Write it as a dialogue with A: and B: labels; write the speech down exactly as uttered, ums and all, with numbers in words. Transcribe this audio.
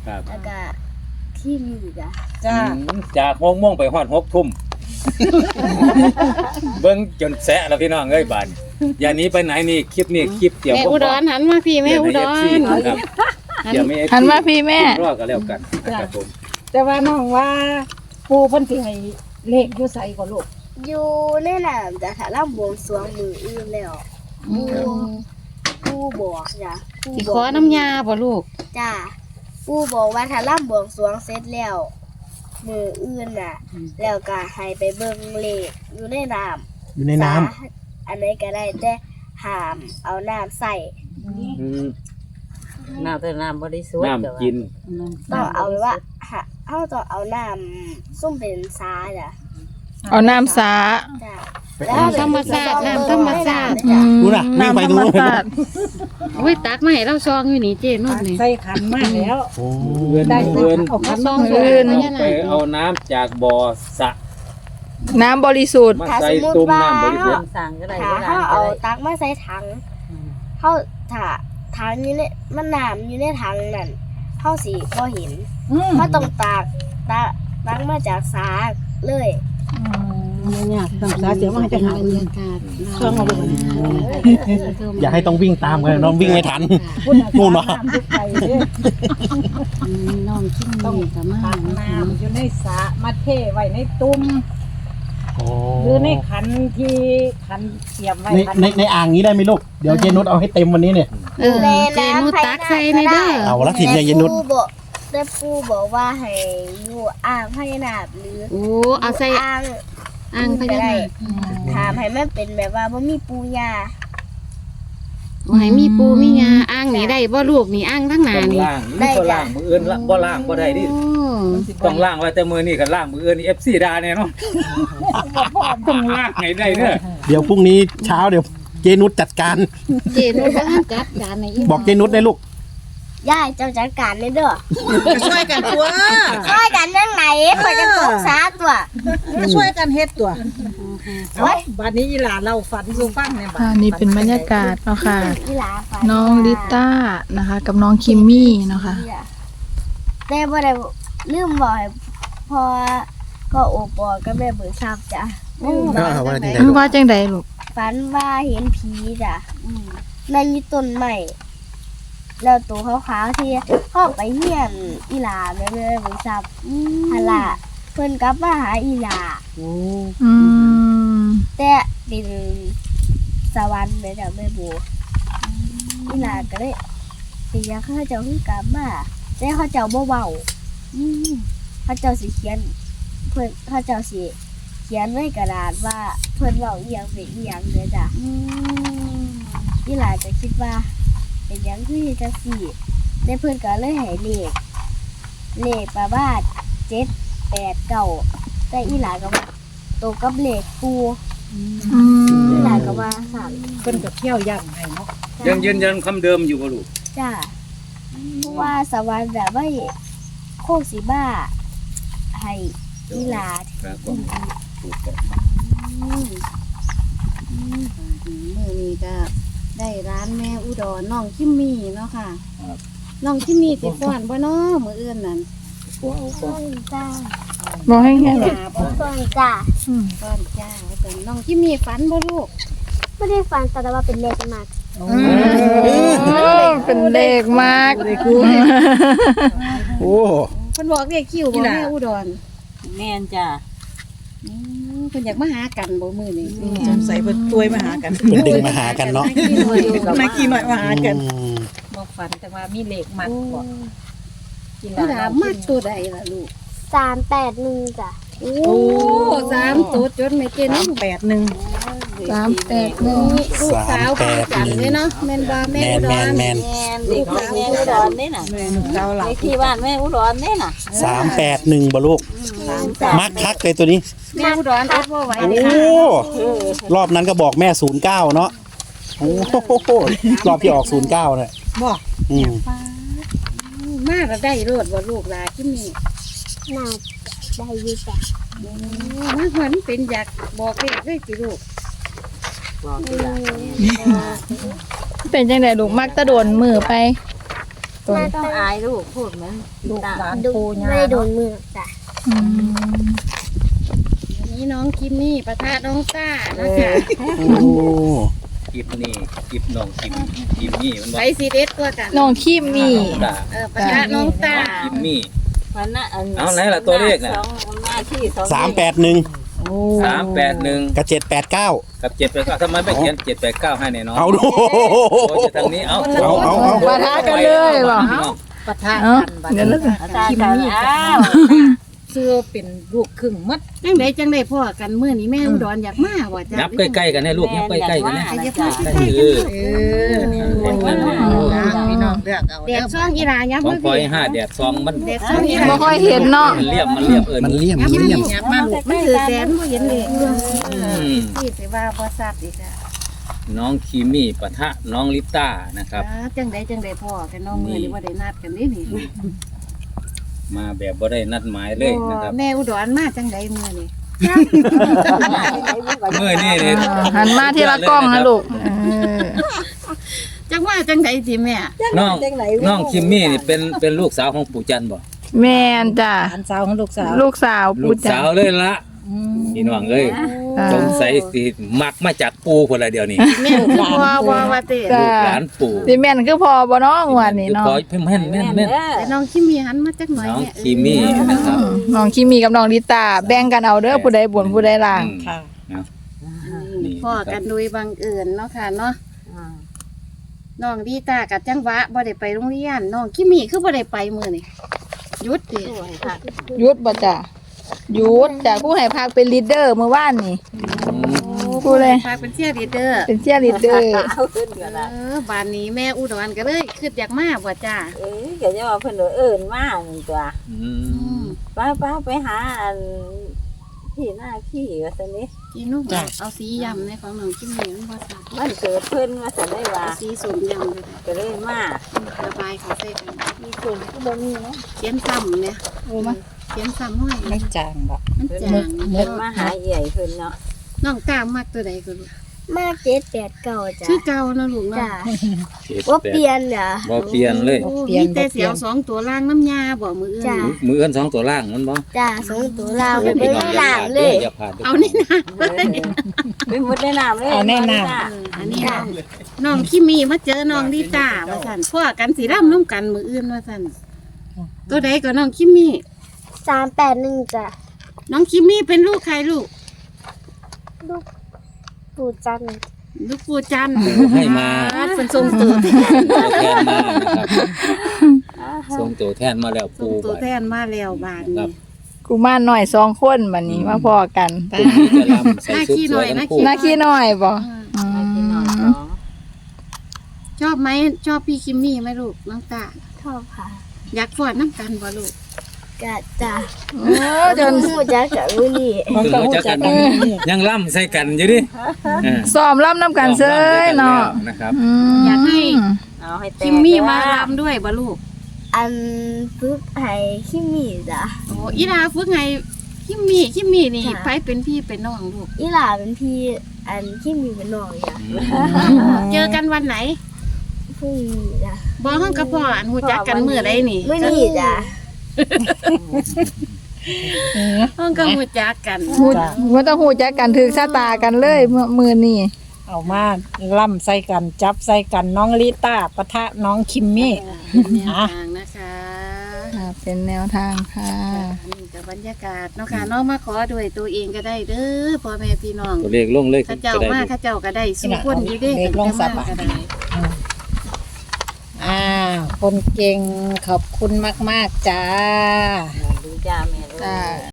A: ครับ
B: แล้วก็ที่มีจ้ะ
C: จ้า
A: จากหกโมงไปฮอดหกทุ่มเบิ่งจนแสะแล้วพี่น้องเอ้ยบาดอย่าหนี้ไปไหนนี่คลิปนี้คลิปเตรียม
D: แม่อุดรหันมาพี่แม่อุดร
A: ครับเตรียมให้
E: หันมาพี่แม่
A: รอก็แล้วกันนะครับผม
C: แต่ว่าน้องว่าปูเพิ่นสิให้เลขอยู่ไสก็ลูก
B: อยู่ในน้ำจ้ะถ้าเราบวงสรวงมืออื่นแล้วผู้ผู้บอกจ้ะผู้
D: สิ
B: บ
D: ข
B: อ
D: อก น้ำยาบ่ลูก
B: จ้ะผู้บอกว่าถ้าเราบวงสรวงเสร็จแล้วมืออื่นน่ะ แล้วก็ให้ไปเบิ่งเลขอยู่ในน้ำ
F: อยู่ในน้ำ
B: สาอันไหนก็ได้แต่ห้ามเอาน้ำใส่
A: อืม
G: น้ำแต่น้ำบริสุทธิ์
A: น้ำกิน
B: ต้องเอาไว้ว่าหาเขาต้องเอาน้ำส้มเป็นซาจ้ะ
E: เอาน้ำสา
B: จ้ะ
D: น้ำธรรมชาติน้ำธรรมชาติ
E: อืม
F: ดูน่ะวิ่งไป
E: น้ำธร
F: ดู
E: รม
F: นู่น
E: ชาติ
D: โอ้ยตักมาให้เราซองอยู่นี่เจนุ่นนี่
C: ใส่ขันมาแล้ว
F: โอ้
A: เงิน
C: ได้
A: เงิน
C: เอาขัน
D: ซ
C: มา
D: อง
C: เล
D: สวย
C: ย
D: พญา
A: ไป
D: นาค
A: เอาน้ำจากบ่อสระ
E: น้ำบริสุทธิ์
A: มา
B: ถ้า
A: ใส่
B: สมมติ
A: ตุ้ม
B: ว่า
A: น้ำบริสุท
B: เขา
A: ธิ์
G: สั่งก็ได้
B: ถ้า
G: ก็ได้
B: เขาเอาตักมาใส่ถังเขาถ้าถังอยู่ในมันน้ำอยู่ในถังนั่นเขาสิพอเห็น
C: อืม
B: เขาต้องตักตักตักมาจากสาเลย
C: เนี่ยต้องสาเสียมาให้จะหา
D: บรรยากาศ
C: เครื่องเอาไป
F: อย่าให้ต้องวิ่งตามกันน้องวิ่งไม่ทัน นู่นเนาะ
C: ทุกไปเด้อ
D: อืมน้องคิม
C: ต้อง
D: นี่ก็มา
C: ตักน้ำอยู่ในสระมาเทไว้ในตุ้ม
F: โอ้
C: หรือในขันที่ขันเตรียมไว้
F: ใน
C: ขัน
F: ในในอ่างนี้ได้ไหมลูก เดี๋ยวเจนุชเอาให้เต็มวันนี้เนี่ย
D: เออเจนุ่นตักใส่ในเด้อ
F: เอาละถิ่นเนี่ยเย็นนุช
B: แต่ปู่บอกแต่ปูบอกว่าให้อยู่อ่างพญานาคหรือ
D: โอ้เอาใส่
B: อ่าง
D: อ่างพญานาค
B: ถามให้มันเป็นแบบว่าบ่มีปูยา
D: โอ้ให้มีปูมีงาอ่างนี่ได้บ่ลูกนี่อ่างทั้งหน้า
A: ต้อง
D: นี่
A: ล่างนี่ก็ล่างมืออื่นละบ่ล่างบ่ได้ดิ
D: โอ้
A: ต้องล่างไว้แต่มือนี่ก็ล่างมืออื่นนี่ เอฟ ซี ด่าแน่เนาะต้องล่างให้ได้เด้อ
F: เดี๋ยวพรุ่งนี้เช้าเดี๋ยวเจนุชจัดการ
D: เจนุ่นบ่ทันจัดการในอี
F: บอกเจนุชได้ลูก
B: ยายเจ้าจัดการเลยเด้อ
C: ช่วยกันตัว
B: ช่วยกันยังไงคอยกันตกสาตัว
C: ช่วยกันเฮ็ดตัว
B: โอ้ย
C: บัดนี้อีหลาเราฝันสู่ฟังเนี่ยบัด
E: อ่านี่เป็นบรรยากาศเนาะค่ะ
B: อีหลาฝั
E: น้องลิต้านะคะ กับน้องคิมมี่เนาะค่ะ
B: แต่บ่ได้ลืมบอกให้พอก็โอปอก็แม่เบิกทราบจ้ะ
F: อ่าว่าจังได
E: อืมว่าจังใดลูก
B: ฝันว่าเห็นผีจ้ะนั่งอยู่ต้นไม้แล้วตัวขาวๆที่เข้าไปเฮียนอีหลาแม่แม่เบิกทราบฮะล่ะเพิ่นกลับมาหาอีหลา
E: อืม
B: แต่เป็นสวรรค์เลยจ้ะแม่บัวอีหลาก็เลยเป็นหยังเขาเจ้าคือกลับมาแต่เขาเจ้าบ่เว้าอืมเขาเจ้าสิเขียน เพิ่นเขาเจ้าสิเขียนไว้กระดาษว่าเพิ่นเว้าอีหยังเป็นอีหยังเด้อจ้ะอีหลาก็คิดว่า เป็นหยังคือจังซี่แต่เพิ่นก็เลยให้เลขเลขประมาณเจ็ด แปด เก้าแต่อีหลาก็ว่าตรงกับเลขปู
E: อื
B: อี
E: ม
B: หลาก็ว่าสั่น
C: เพิ่นก็เที่ยวย่ำให้เนาะ
A: ยังยืนยันคำเดิมอยู่บ่ลูก
B: จ้าเพราะว่าสวรรค์แบบว่าโคกสีบ้าให้อีหลา
A: ครับผมถูกต้อง
B: อืม
D: มื้อนี้ก็ได้ร้านแม่อุดรน้องคิมมี่เนาะค่ะน้องคิมมี่สิฟ้อนบ่เนาะมื้ออื่นนั่น
A: ว้าว
B: ต้นจ้า
E: บอกให้แง่ลูก
B: ต้นจ้า
E: อืม
D: ฟ้อนจ้าเป็นน้องคิมมี่ฝันบ่ลูก
B: ไม่ได้ฟันแต่ว่าเป็นเลขมาก
E: โอ้เป็นเด็กมาก
F: โอ้
D: เพิ่นบอกเรียกคิวบ่แม่อุดร
G: แม่นจ้า
D: อืมเพิ่นอยากมาหากันบ่มื้อนี้
C: สงสัยเพิ่นตัวยมาหากัน
F: เพิ่นดึงมาหากันเนาะ
C: นักกี่หน่อยมาหากัน
F: อืม
C: บอกฝันแต่ว่ามีเลขมัดบ่กิน
D: ผู้ถามมักตัวใดล่ะลูก
B: สามแปดหนึ่งจ้ะ
D: โอ้สามตัวจดไม่เกิน
C: สามแปดหนึ่ง
E: สามแปดหนึ่ง
D: ลูกสาวคือกันเลยเนาะแม่นบ่แม่
F: แมน
D: อุด
F: แม
D: ร
F: นแมน
G: แม่นเด็กของแม่อุดรนี่น่ะ
C: แม่ลูกสาวหลั
G: เล
C: บ
G: ขที่บ้านแม่อุดรนี่น่ะ
F: สามแปดหนึ่งบ่ลูก
G: สามสาม
F: มักคักเลยตัวนี้
D: แม่อุดรอดบ่ไหว
F: โอ้
D: เลยค่ะ
F: รอบนั้นก็บอกแม่ศูนย์เก้าเนาะโอ้โหรอบที่ออกศูนย์เก้าเนี่ย
C: บ่
F: อืม
D: มาก็ได้โลดบ่ลูกหลานที่นี่
B: น่าได้อยี่จ้ะ
D: มาเหมือนเป็นอยากบอกเลขเลยสิลูก
G: บอกที่หลาน
E: เป็นจังใดลูกมักตะโดนมือไป
C: ตัว
B: มา
C: นี้
G: ต้องอายลูกพูดเหมือน
C: ลูก
G: ตา
C: หลาน
B: ดู
C: ปู่ย่า
B: ไม่ได้โดนมือจ้ะ
E: อืม
D: วันนี้น้องคิมมี่ปะทะน้องต้านะคะ
F: โอ้
A: คลิปนี่คลิปน้องคิมคิมมี่มัน
D: ไป
A: บ่
D: ซีเด็ดกว่ากัน
E: น้องคิมมี่
A: ตา
D: เออปะทะน้องต้า
A: คิมมี่
G: วันน่ะอัน
A: เอาไหนล่ะตัวเลขน่ะ
G: สองหน้าที่สอง
F: สามแปดหนึ่ง
C: โอ้
A: สามแปดหนึ่ง
F: กับเจ็ดแปดเก้า
A: กับเจ็ดแปดเก้าทำไมไม่เขียนเจ็ดแปดเก้าให้แน่นอน
F: เอาดู
A: โอ้ยทางนี้เอา
F: เอาเอาเอา
E: ปะทะกันเลยบ่
C: ปะทะ
E: เอ้า
C: กันบัด
E: เดี๋ยวแล้ว
G: ตากันอ้าว
C: เสื้อเป็นลูกครึ่งหมัด
D: จังไดจังไดพ่อกันมื้อนี้แม่อุดรอยากมาว่าจ้ะ
A: ยับใกล้ๆกันให้ลูกยับใกล้ๆกันนะ
D: ใครจะ
G: จ้
D: พาใกล้ๆ
A: เอ
D: กัน
A: อ
C: พี่น้องเลือกเอา
D: เด็กช่องอีหลายับ
A: ของ
D: มา
A: พลอย
D: พี่
A: ห้าแดดซองมัน
D: เด็กช่องอีห
E: บ่
D: ลา
E: ค่อยเห็นเนาะ
A: มันเรียบมันเรียบเอิญ
F: มันเลี่ยมมันเลี่ยม
C: ยับมาลูก
D: มันถือแสนบ่เห็นเลย
A: อืม
D: พี่สิว่าบ่ทราบอีกอ่ะ
A: น้องคิมมี่ปะทะน้องลิต้านะครับ
D: อ่าจังไดจังไดพ่อกันน้องมื้อนี้บ่ได้นัดกันนี่นี่
A: มาแบบบ่ได้นัดหมายเลยนะครับ
D: แม่อุดรมาจังไดมื้อนี้
A: เมื่อนี่นี่
E: อ่าหันมาที่ละกล้องนะลูกเออ
D: จังว่าจังไดสิแม่
A: น้องน้องคิมมี่นี่เป็นเป็นลูกสาวของปู่จันทร์บ่
E: แม่นจ้ะ
C: หลานสาวของลูกสาว
E: ลูกสาว
A: ลู
E: ปู่
A: ก
E: จั
A: สาน วเลยละพี่น้องเอ้ย
E: อ่า
A: สงสัยสิมักมาจากปู่คนละเดียวนี่
D: แม่พ่อว่าว่าติ
E: จ้ะ
A: ลูกหลานปู่
E: สิแม่นคือพอบ่เนาะงวดนี้เนาะ
A: ขอเพิ่มแม่นแม่นแม่น
D: แต่น้องคิมมีหันมาจักหน่อย
A: น้อง
D: เนี่ย
A: คิมมี่นะครับ
E: อืมน้องคิมมี่กับน้องลิตาแบ่งกันเอาเด้อผู้ใดบนผู้ใดล่าง
A: อืม
C: ค่ะ
A: นี่
D: พ่อกันโดยบังเอิญเนาะค่ะเนาะ
G: อ่า
D: น้องดีตากับจังหวะบ่ได้ไปโรงเรียนน้องคิมมี่คือบ่ได้ไปมื้อนี้หยุดติ
G: สวยค่ะ
E: หยุดบ่จ้ะหยุดจ้ะผู้ให้พักเป็นลีดเดอร์เมื่อวานนี่ พูดเลย
D: ฝากเป็นเชียร์ลีดเดอร์
E: เป็นเชียร์ลีดเดอร์
G: เอาขึ้นกันละ
D: เออบ้านนี้แม่อุดรก็เลยคิดอยากมาบ่จ้า
G: เอ้ยเดี๋ยวจะมาเพิ่นว่าเอิ้นมาหนึ่งตัว
A: อืม
G: ป้าป้าไปหาอันที่หน้าขี้ว่าซั่นนี่
D: กินนุ่มเอาสียำในของน้องคิมมี่มันบ่ซัก
G: มันเกิดเพิ่นว่าซั่นได้ว่า
D: เอาสีส้มยำเลย
G: ก็เลยมา
D: ระบายเขาใส่กัน
G: มีคนที่บ่มีเนาะ
D: เขียนซ้ำเนี่ย
E: โอ้มา
D: เขียนซ้ำห้อย
C: ไม่จางบ่
D: มันจาง
G: เพิ่นมาหาใหญ่เพิ่นเนาะ
D: น้องตามมักตัวใดก็ลูก
B: มาเจ็ดแปดเก้าจ้ะ
D: ชื่อเก่านะลูกเนาะ
B: จ้ะ
A: เจ็ด
B: ว่า
A: แปด
B: เปลี่ยนเหรอ
A: บ่เปลี่ยนเลย
D: โอ้มีแต่เสียวสองตัวล่างน้ำยาบ่มืออื่น
B: จ้ะ
A: มือเอื้อนสองตัวล่างมันบ่
B: จ้ะสองตัวเรา
A: อย่า
B: ไม่
A: พี่น้อง
B: ได้
A: อย่า
B: หลั
A: พ
B: ง
A: ลาด
B: เล
A: เด้อย อย่าพลาดเด้อ
D: เอานี่นะ
G: เป็นหมดในน้ำเลย
C: เอาแน่นอน
D: เอออันนี้น้องน้องคิมีมาเจอน้องดีตาว่าสั่นพ่อกันสีร่ำน้ำกันมืออื่นว่าสั่นตัวใดก็น้องคิมี
B: สามแปดหนึ่งจ้ะ
D: น้องคิมีเป็นลูกใครลูก
B: ลูกปู่จันทร์
D: ลูกปู่จันทร์
A: ให้มา
D: เป็นทรงตัวแทน
A: ตัวแทนมานะครับส่งตัวแทนมาแล้ว
D: ทรง
A: ปู่
D: ตัว
A: บัด
D: แทนมาแล้วบาน
A: ครั
D: นี้
A: บ
E: กูมารหน่อยสองคนบัดนี้มาพอกัน
A: พรุ่งนี้จะรำใส่ชุดสวยทั้งคู่
E: หน้าขี้น้อยบ่
D: เออ
E: อื
G: กินนอน
E: ม
G: สอง
D: ชอบไหมชอบพี่คิมมี่ไหมลูกน้องตา
B: ชอบค่ะ
D: อยากฟอดน้ำกันบ่ลูก
B: กะจ้ะ
E: โอ้จน
B: ปู่จักกับมือนี่
C: มันก็รู้จักกันนี่
A: ยังล่ำใส่กันอยู่ดิเออ
E: ซ้อมรับน้ำกันเซ้ยเนาะ
A: นะครับ
E: ม
D: อยากให้
G: เอาให้แตก
D: คิมมี่มาลำด้วยบ่ลูก
B: อันฝึกให้ขี้มีจ้ะ
D: โอ้อีลาฝึกไงคิมมี่คิมมี่นี่
B: ค่ะ
D: ไปเป็นพี่เป็นน้องลูก
B: อีหลาเป็นพี่อันขี้มีเป็นน้องจ้ะ
D: เจอกันวันไหน
B: พรุ่งนี้จ้ะ
D: บอกห้องกับพ่ออันหูจักกันมือใดนี่
B: มือนี่จ้ะ
D: ห้องก็หูจักกัน
E: ฮู้ว่าต้องฮู้จักกันถึกชะตากันเลยเมื่อมื้อนี้
C: เอามาล่ำใส่กันจับใส่กันน้องลิต้าปะทะน้องคิมมี่
D: เป็นแนวทางนะคะ
E: ค่ะเป็นแนวทางค่ะ
D: อันนี้กับบรรยากาศเนาะค่ะน้องมาขอด้วยตัวเองก็ได้เด้อพ่อแม่พี่น้อง
A: ตัวเลขลงเลย
D: ข้าเจ้า
A: จะได้
D: มาข้าเจ้าก็ได้สู้คนอยู่เด้
C: เด็กลงสับ
D: แต่
C: อ่ะ
D: มาก็ได้
C: อ่าคนเก่งขอบคุณมาก ๆ จ้า
G: ดูจ้าแม่ลูก
E: จ้า